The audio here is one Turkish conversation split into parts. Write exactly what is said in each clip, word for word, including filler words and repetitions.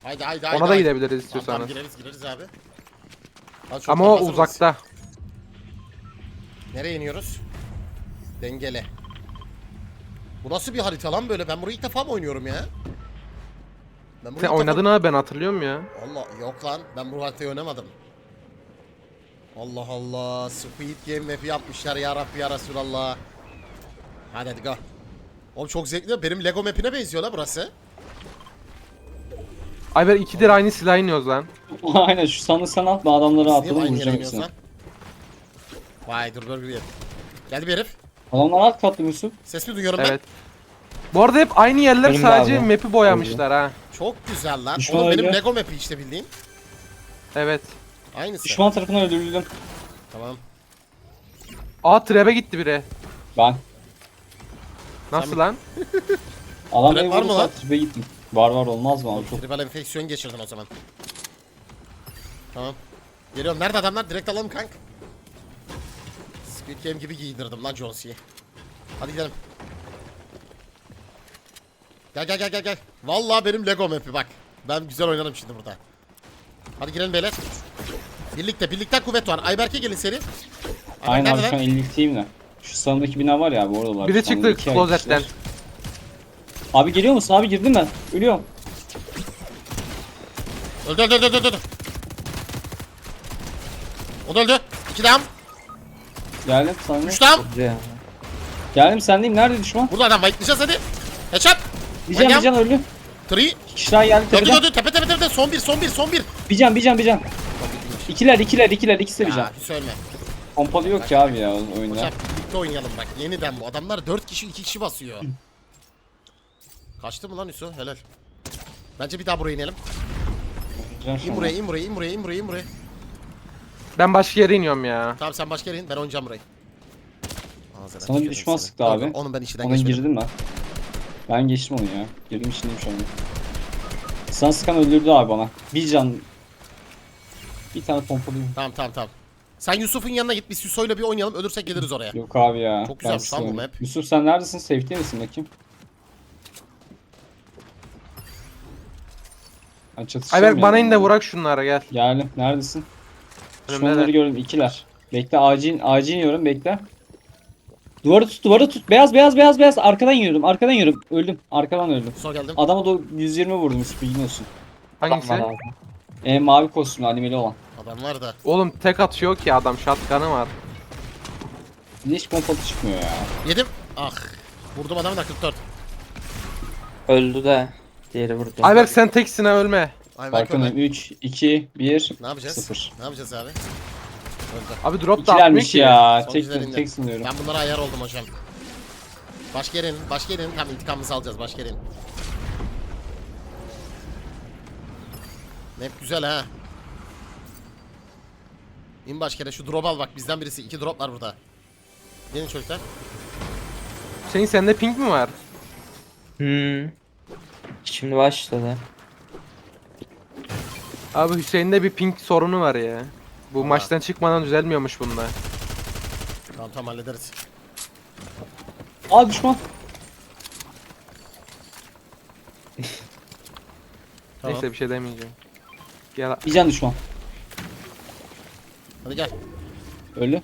Haydi haydi haydi. Ona da haydi. gidebiliriz Tamam, istiyorsanız. tamam gireriz gireriz abi. Hadi, çok Ama daha o hazır mıyız? uzakta. Nereye iniyoruz? Dengele. Bu nasıl bir harita lan böyle? Ben burayı ilk defa mı oynuyorum ya? Ben burayı Sen ilk oynadın defa... abi, ben hatırlıyorum ya. Allah yok lan. Ben bu haritayı oynamadım. Allah Allah. Squid Game map'i yapmışlar ya Rabbi ya Resulallah. Hadi hadi go. Oğlum çok zevkli. Benim Lego map'ine benziyor la burası. Ayber ikidir aynı silah iniyoruz lan. Aynen şu sandığı sen at, ben adamları Biz niye atladım aynı yere vuracağım iniyoruz hepsini. lan? Vay dur dur bir yer. Geldi bir herif. Adamlar alt katlı Yusuf. Ses mi duyuyorum Evet. Bu arada hep aynı yerler, Benim de sadece abi. map'i boyamışlar ha. ben? Çok güzel lan. Düşman Oğlum benim öyle. Lego map'i işte bildiğin. Evet. Aynısı. Düşman tarafından öldürüldüm. Tamam. Aa, trebe gitti biri. Ben. Nasıl Sen- lan? Adam Trap beni var mı vurdu, lan? tribe gittim. Var var olmaz mı abi çok. Tribal enfeksiyon geçirdin o zaman. Tamam. Geliyorum. Nerede adamlar? Direkt alalım kank. Squid Game gibi giydirdim lan Jonesi'yi. Hadi gidelim. Gel gel gel gel gel. Vallahi benim Lego map'i bak. Ben güzel oynarım şimdi burada. Hadi girelim beyler. Birlikte birlikten kuvvet var. Ayberk'e gelin seri. Ayberk Aynen abi nerede şu an lan? ellikteyim de. Şu sağındaki bina var ya, bu oradalar. Biri Şu sağındaki çıktı iki klozetten. kişiler. Abi geliyor musun? Abi girdim ben. Ölüyorum. Öldü öldü öldü öldü öldü. O da öldü. İki dam. Geldim sana. Üç dam. Geldim sendeyim. Nerede düşman? Burada adam bayıklayacağız hadi. Headshot. Bir can bir can öldü. Three. İki kişi daha geldi Öldü tepeden. öldü. Tepe tepe tepe. Son bir son bir son bir. Bir can bir can bir can. İkiler ikiler ikiler ikisi de bir can. Ya söyleme. Pompalı yok ki abi ya oyunda. Hocam birlikte oynayalım bak. Yeniden bu. Adamlar dört kişi iki kişi basıyor. Kaçtı mı lan Hüso? Helal. Bence bir daha buraya inelim. Can şu İn an. buraya, in buraya, in buraya, in buraya, in buraya. Ben başka yere iniyorum ya. Tamam sen başka yere in. Ben oynayacağım burayı. Ağzına Sana bir tükürdüm düşman seni. sıktı Dur, abi. dur, Onun ben içinden Ona geçmedim. girdim ben. Ben geçtim onu ya. Girdim içindeyim şu anda. Sana sıkan öldürdü abi bana. Bir can. Bir tane pompalıyım. Tamam tamam tamam. Sen Yusuf'un yanına git. Biz Hüso'yla bir oynayalım. Ölürsek geliriz oraya. Yok abi ya. Çok güzelmiş Ben lan bu sıkıyorum. map. Yusuf sen neredesin? Safety misin bakayım? Ben çatışacağım Ayber bana ya. in de vurak şunlara, gel. Geldim. Neredesin? Önümdeler. Düşmanları gördüm. İkiler. Bekle acil acil iniyorum bekle. Duvarı tut duvarı tut. Beyaz beyaz beyaz beyaz. Arkadan yürüdüm. Arkadan yürüdüm. Öldüm. Arkadan öldüm. Hüso geldim. Adama da yüz yirmi vurdum Yusuf, bilgin olsun. Hangisi? Adam var abi. E, mavi kostümlü animeli olan. Adam var da. Oğlum tek atıyor ki adam, shotgun'ı var. Niye hiç pompalı çıkmıyor ya? Yedim. Ah. Vurdum adamı da kırk dört. Öldü de. Diğeri vurdu. Ayber sen teksin ha, ölme. Ay bak Farkındayım. üç, iki, bir, Ne yapacağız? sıfır. Ne yapacağız abi? Öldü. Abi drop da atmıyor İkilermiş ki. ya. Son Tek, üzerinde. tek sınıyorum. Ben bunlara ayar oldum hocam. Başka yerin, başka yerin. Tam intikamımızı alacağız başka yerin. Map güzel ha. İn başka yere, şu drop al bak, bizden birisi. İki drop var burada. Gelin çocuklar. Senin sende ping mi var? Hmm. Şimdi başladı. Abi Hüseyin'de bir ping sorunu var ya. Bu Aa. maçtan çıkmadan düzelmiyormuş bunda. Tamam tamam hallederiz. Aa düşman. Tamam. Neyse bir şey demeyeceğim. Gel. Bir can düşman. Hadi gel. Öldü.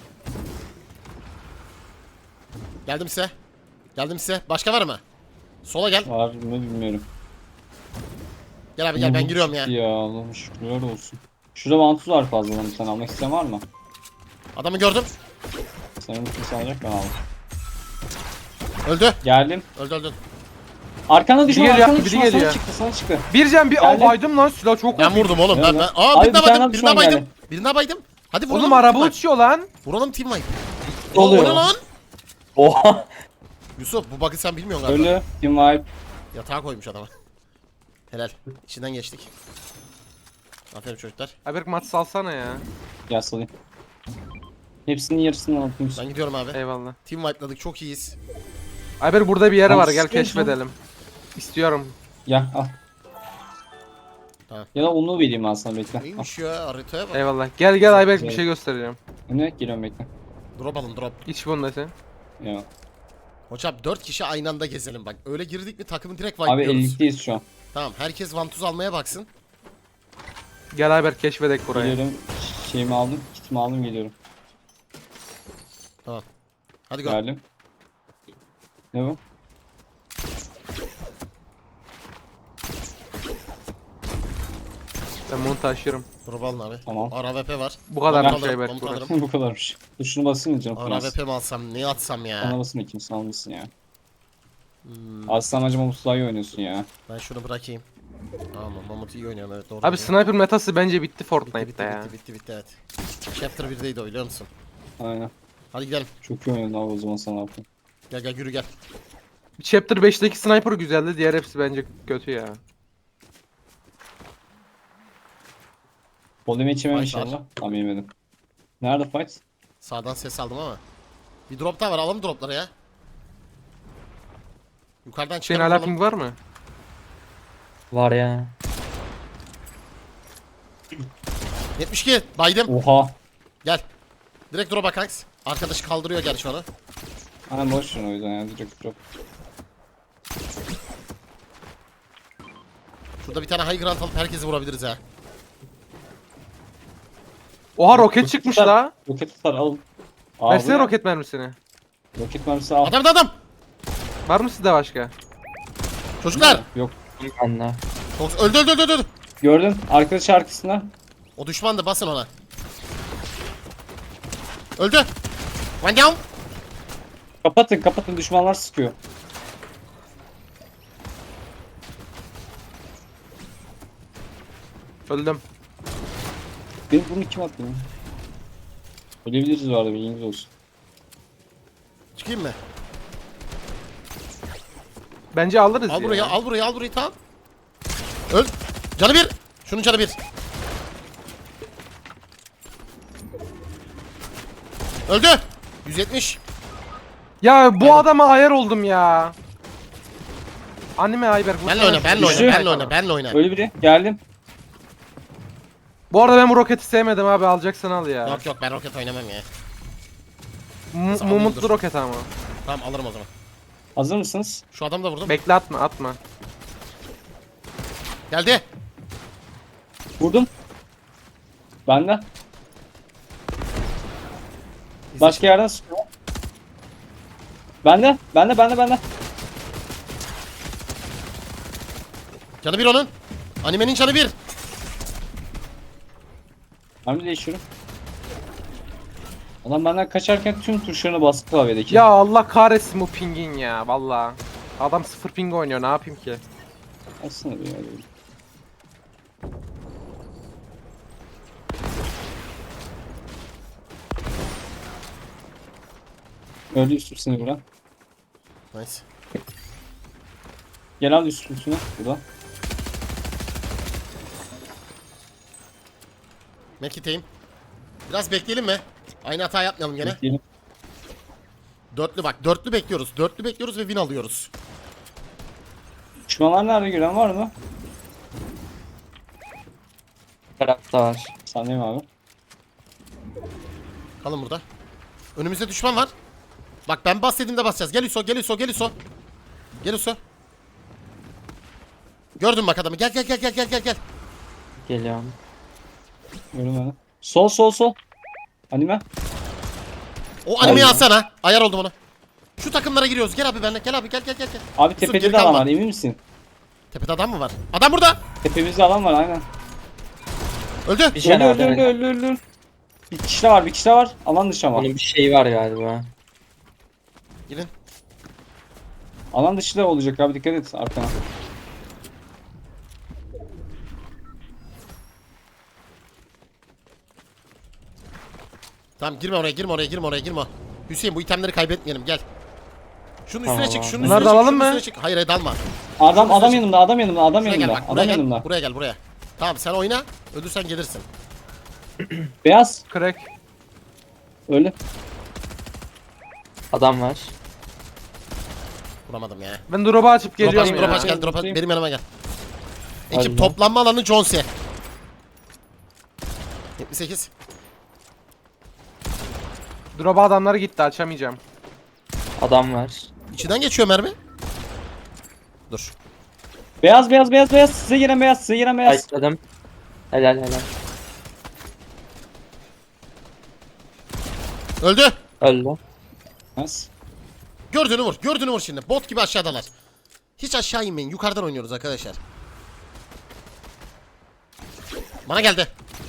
Geldim size. Geldim size. Başka var mı? Sola gel. Var mı bilmiyorum. Gel abi gel, ben giriyorum ya. Ya Allah'ım şükürler olsun. Şurada vantuz var fazladan, bir tane almak isteyen var mı? Adamı gördüm. Sanırım kimse alacak, ben aldım. Öldü. Geldim. Öldü öldü. Arkanda düşman, geliyor, arkanda biri düşman, geliyor. sana çıktı, sana çıktı. Bir can bir Geldim. Aa, baydım lan, silah çok Ben vurdu. vurdum oğlum. Ben, Evet. ben... Aa Abi birine bir tane baydım. düşman Birine baydım. geldi. Birine baydım. Hadi vuralım. Oğlum araba team wipe. uçuyor lan. Vuralım team wipe. Ne oluyor? O ne lan? Oha. Yusuf bu bug'ı sen bilmiyorsun galiba. Ölü. Team wipe. Yatağa koymuş adama. Helal. İçinden geçtik. Aferin çocuklar. Ayber maç salsana ya. Gel salayım. Hepsinin yarısını aldım. Ben gidiyorum abi. Eyvallah. Team wipe'ladık, çok iyiyiz. Ayber burada bir yere Abi var, gel istiyorsan- keşfedelim. İstiyorum. Gel al. Tamam. Ya da onu vereyim ben sana, bekle. Al. Neymiş ya, haritaya bak. Eyvallah. Gel gel Ayber, bir Evet. şey göstereceğim. Ne? Geliyorum bekle. Drop alın drop. İç bunu da sen. Ya. Hocam dört kişi aynı anda gezelim bak. Öyle girdik mi takımı direkt Abi wipe'lıyoruz. ellikteyiz şu an. Tamam, herkes vantuz almaya baksın. Gel Ayberk keşfedek burayı. Geliyorum. Şeyimi aldım. Kitimi aldım geliyorum. Tamam. Hadi go. Geldim. Ne bu? Ben bunu taşırım. Drop alın abi. Tamam. R V P var. Bu kadar Bomba bir şey alırım, Ayberk bomba burası. alırım. Bu kadarmış. Dur şunu basayım canım. R V P mi alsam, ne atsam ya? Bana basın kimsin almışsın ya. Hmm, Aslan acı Mamut daha iyi oynuyorsun ya. ben şunu bırakayım. Tamam, Mamut iyi oynuyor, evet doğru. Abi diyor. sniper metası bence bitti bitti, Fortnite'da bitti, ya. bitti, bitti, bitti, evet. Chapter birdeydi o, biliyor musun? Aynen. Hadi gidelim. Çok iyi oynadın abi o zaman sana yapayım. Gel gel yürü gel. Chapter beşteki sniper güzeldi. Diğer hepsi bence kötü ya. Bol yemeği içemem Fight var. inşallah. Tamam yemedim. Nerede fight? Sağdan ses aldım ama. Bir drop daha var, alalım dropları ya. Yukarıdan Senin çıkalım. hala alalım. ping var mı? Var ya. yetmiş iki baydım. Oha. Gel. Direkt drop'a kanks. Arkadaşı kaldırıyor gerçi onu. Aynen boş ver o yüzden ya direkt drop. Şurada bir tane high ground alıp herkesi vurabiliriz ha. Oha roket çıkmış tutar. la. Roket tutar al. Aa, Versene bu ne? roket mermisini. Roket mermisi al. Adam adam. Var mı sizde başka? Çocuklar. Yok. Anla. Fox öldü öldü öldü öldü. Gördün arkadaş arkasında. O düşmandı, basın ona. Öldü. One down. Kapatın kapatın düşmanlar sıkıyor. Öldüm. Benim bunu kim attı ya? Ölebiliriz bu arada bilginiz olsun. Çıkayım mı? Bence alırız Al ya. burayı, al burayı, al burayı, tamam. Öl. Canı bir. Şunun canı bir. Öldü. yüz yetmiş. Ya bu adama ayar oldum ya. Anime Ayberk. Benle oyna, benle oyna, Düştü. benle oyna, benle oyna. Öyle biri geldim. Bu arada ben bu roketi sevmedim abi, alacaksan al ya. Yok yok, ben roket oynamam ya. M- Nasıl alayım, Mumutlu dur. roket ama. Tamam, alırım o zaman. Hazır mısınız? Şu adam da vurdum. Bekle, atma atma. Geldi. Vurdum. Bende. Başka yerden sıkıyor. Bende. Bende bende bende. Canı bir onun. Animenin canı bir. Hamle değişiyorum. Adam benden kaçarken tüm tuşlarına bastı klavyedeki. Ya Allah kahretsin bu pingin ya valla. Adam sıfır ping oynuyor, ne yapayım ki? Aslında bir öyle. Öldü üst üstüne bura. Nice. Gel al üst üstüne burada. Mekiteyim. Biraz bekleyelim mi? Aynı hata yapmayalım gene. Bekleyelim. Dörtlü bak, dörtlü bekliyoruz. Dörtlü bekliyoruz ve win alıyoruz. Düşmanlar nerede gören var mı? Tarafta var. Sandayım abi. Kalın burada. Önümüzde düşman var. Bak ben bas dediğimde basacağız. Gel Hüso, gel Hüso, gel Hüso. Gel Hüso. Gördün bak adamı. Gel gel gel gel gel gel gel. Geliyorum. Gördüm ben. Sol sol sol. Anime. O animeyi Aynen. alsana. Ayar oldum ona. Şu takımlara giriyoruz. Gel abi benimle. Gel abi gel gel gel. gel. Abi Yusuf, tepede geri de adam kalma. var emin misin? Tepede adam mı var? Adam burada. Tepemizde adam var aynen. Öldü. Bir Öldü şey öldü var. öldü öldü öldü. Bir kişi de var bir kişi de var. Alan dışı ama. Onun bir şeyi var galiba. Girin. Alan dışı da olacak abi dikkat et arkana. Tamam girme oraya, girme oraya, girme oraya, girme. Hüseyin bu itemleri kaybetmeyelim. Gel. Şunun üstüne Tamam çık, abi. şunun Bunları üstüne da çık, alalım şunun mı? üstüne çık. Hayır hayır dalma. Adam Şurası adam çık. yanımda adam yanımda adam Buraya gel yanımda bak, adam buraya gel. yanımda. Buraya gel, buraya. Tamam sen oyna. Ölürsen gelirsin. Beyaz Crack. öyle. Adam var. Vuramadım ya. Ben drop'u açıp Drop aç, geliyorum drop ya. aç gel, drop aç. Buradayım. Benim yanıma gel. Hadi Ekip lan. toplanma alanı Jones'e. yetmiş sekiz. Drop'a adamları gitti, açamayacağım. Adam var. İçinden geçiyor mermi. Dur. Beyaz beyaz beyaz beyaz. Size gelen beyaz. Size gelen beyaz. Ayıkladım. Helal helal. Öldü. Öldü. Nasıl? Gördüğünü vur. Gördüğünü vur şimdi. Bot gibi aşağıdalar. Hiç aşağı inmeyin. Yukarıdan oynuyoruz arkadaşlar. Bana geldi.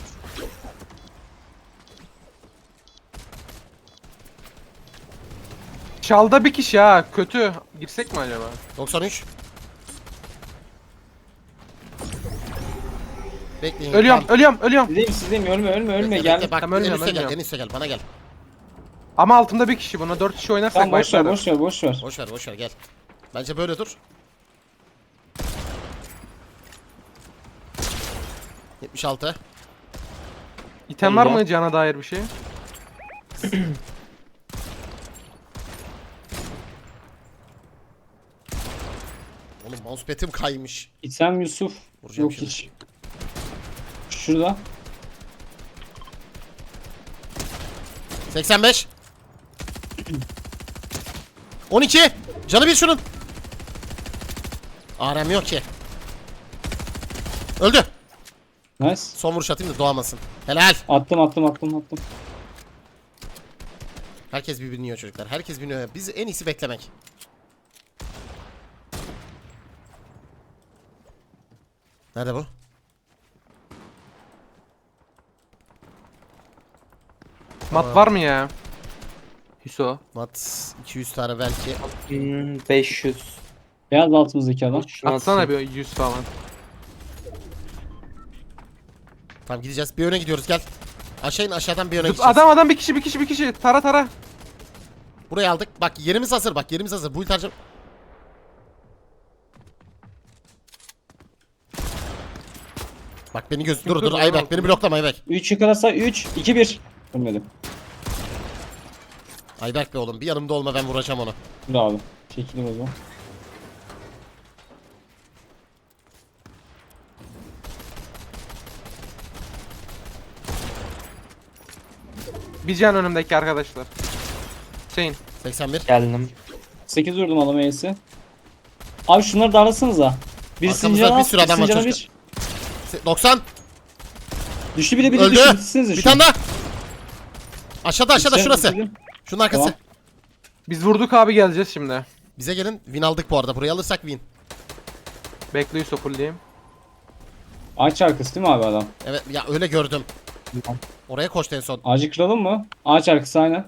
Çalda bir kişi ha. Kötü. Girsek mi acaba? doksan üç. Bekleyin. Ölüyorum, Tamam. ölüyorum, ölüyorum. Sizdeyim sizdeyim. Ölme ölme ölme. Bekle, Gel. bekle. Bak Tamam, en ölmüyorum, üste gel. En ölmüyorum. üste gel. Bana gel. Ama altımda bir kişi. Buna dört kişi oynarsak Tamam boş ver başlarız. boş ver boş ver. Boş ver boş ver gel. Bence böyle dur. yetmiş altı. İtem var Allah. mı cana dair bir şey? Oğlum mousepad'im kaymış. İsem Yusuf. Vuracağım Yok şimdi. hiç. Şurada. seksen beş. on iki. Canı bir şunun. A R M yok ki. Öldü. Nice. Son vuruş atayım da doğamasın. Helal. Attım attım attım attım. Herkes birbirini yiyor çocuklar. Herkes biniyor. Biz en iyisi beklemek. Nerede bu? Mat var mı ya? Hüso. Mat iki yüz tane belki. Hmm, beş yüz. Beyaz altımızdaki adam. Şunu Atsana atayım. bir yüz falan. Tamam gideceğiz. Bir öne gidiyoruz gel. Aşağı in aşağıdan bir öne Zıp- gideceğiz. Adam adam bir kişi bir kişi bir kişi. Tara tara. Burayı aldık. Bak yerimiz hazır. Bak yerimiz hazır. Bu harcam. Bak beni göz dur dur, dur dur, Ayberk dur. beni bloklama Ayberk. üç yıkarasa üç iki bir. Ölmedim. Ayberk be oğlum bir yanımda olma ben vuracağım onu. Dur abi. Çekilir o zaman. Bir can önümdeki arkadaşlar. Hüseyin. seksen bir. Geldim. sekiz vurdum adam E'si. Abi şunları darlasanıza. Bir Arkamızda sincana bir al, sürü adam var sincana çocuklar. bir. Se- doksan. Düştü bile bile Öldü. düştü. Bitirsenize Bir şunu. tane daha. Aşağıda aşağıda Bitirdim, şurası. bitirdim. Şunun arkası. Tamam. Biz vurduk abi geleceğiz şimdi. Bize gelin. Win aldık bu arada. Burayı alırsak win. Bekle Hüso fullleyeyim. Ağaç arkası değil mi abi adam? Evet ya öyle gördüm. Oraya koştu en son. Ağacı kıralım mı? Ağaç arkası aynen.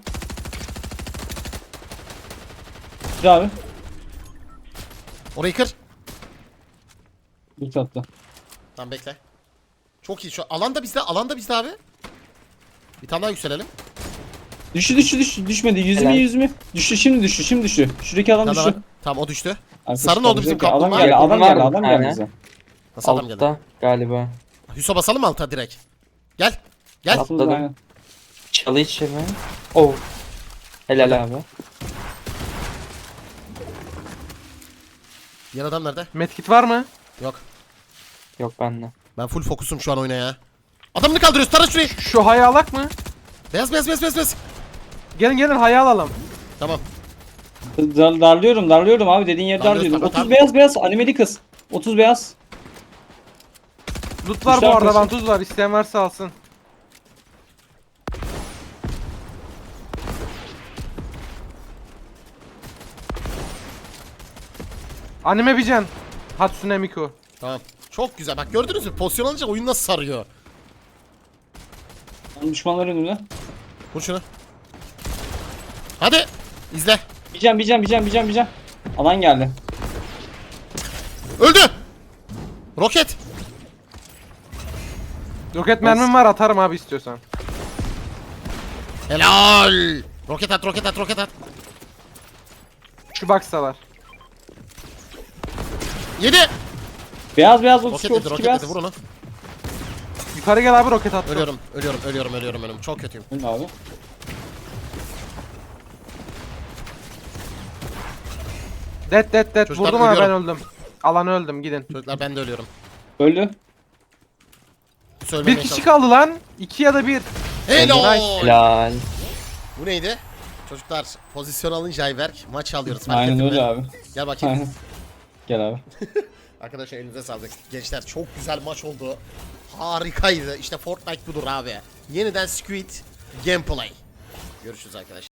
Dur abi. Orayı kır. Bir tatlı. Tamam bekle. Çok iyi şu alanda bizde. Alanda bizde abi. Bir tane daha yükselelim. Düştü düştü düştü. Düşmedi. Yüz mü Helal. yüz mü? Düştü şimdi düştü şimdi düştü. Şuradaki Bir adam tane daha düştü. var. Tamam o düştü. Arkadaş Sarı ne oldu bizim kalacak ya. kaplumbağa? Adam geldi adam Var geldi bir adam geldi tane. bize. Nasıl adam geldi? Altta galiba. Hüso basalım mı alta direkt? Gel. Gel. Tamam. Atladı, Atladım. aynen. Çalı içi mi? Oh. Helal abi. Diğer adam nerede? Medkit var mı? Yok. Yok bende. Ben full fokusum şu an oyuna ya. Adamını kaldırıyoruz. Tara şurayı. Şu hayı alak mı? Beyaz beyaz beyaz beyaz beyaz. Gelin gelin hayı alalım. Tamam. Dar, darlıyorum darlıyorum abi dediğin yeri Darlıyoruz, darlıyorum. tamam, otuz tamam. beyaz beyaz animeli kız. otuz beyaz. Loot var bu Kuşlar arada koşun. vantuz var. İsteyen varsa alsın. Anime bir can. Hatsune Miku. Tamam. Çok güzel. Bak gördünüz mü? Pozisyon alınca oyun nasıl sarıyor. Düşmanlar önümde. Vur şunu. Hadi. İzle. Bir can bir can bir can bir can bir can. Alan geldi. Öldü. Roket. Roket mermim var atarım abi istiyorsan. Helal. Roket at roket at roket at. Şu box'talar. Yedi. Beyaz beyaz otuz Roket iki yedi otuz iki roket beyaz. yedi. Vur onu. Yukarı gel abi roket attım. Ölüyorum. Ölüyorum. Ölüyorum. Ölüyorum. Ölüyorum. Çok kötüyüm. Öyle abi. Dead dead dead. Çocuklar, Vurdum ama ben ölüyorum. öldüm. Alanı öldüm gidin. Çocuklar ben de ölüyorum. Öldü. Söylemeye Bir kişi çalış- kaldı lan. İki ya da bir. Helal. Helal. Bu neydi? Çocuklar pozisyon alınca Ayberk maç alıyoruz. Fark Aynen ettin öyle mi? abi. Gel bakayım. Aynen. Gel abi. Arkadaşlar elinize sağlık. Gençler çok güzel maç oldu. Harikaydı. İşte Fortnite budur abi. Yeniden Squid Gameplay. Görüşürüz arkadaşlar.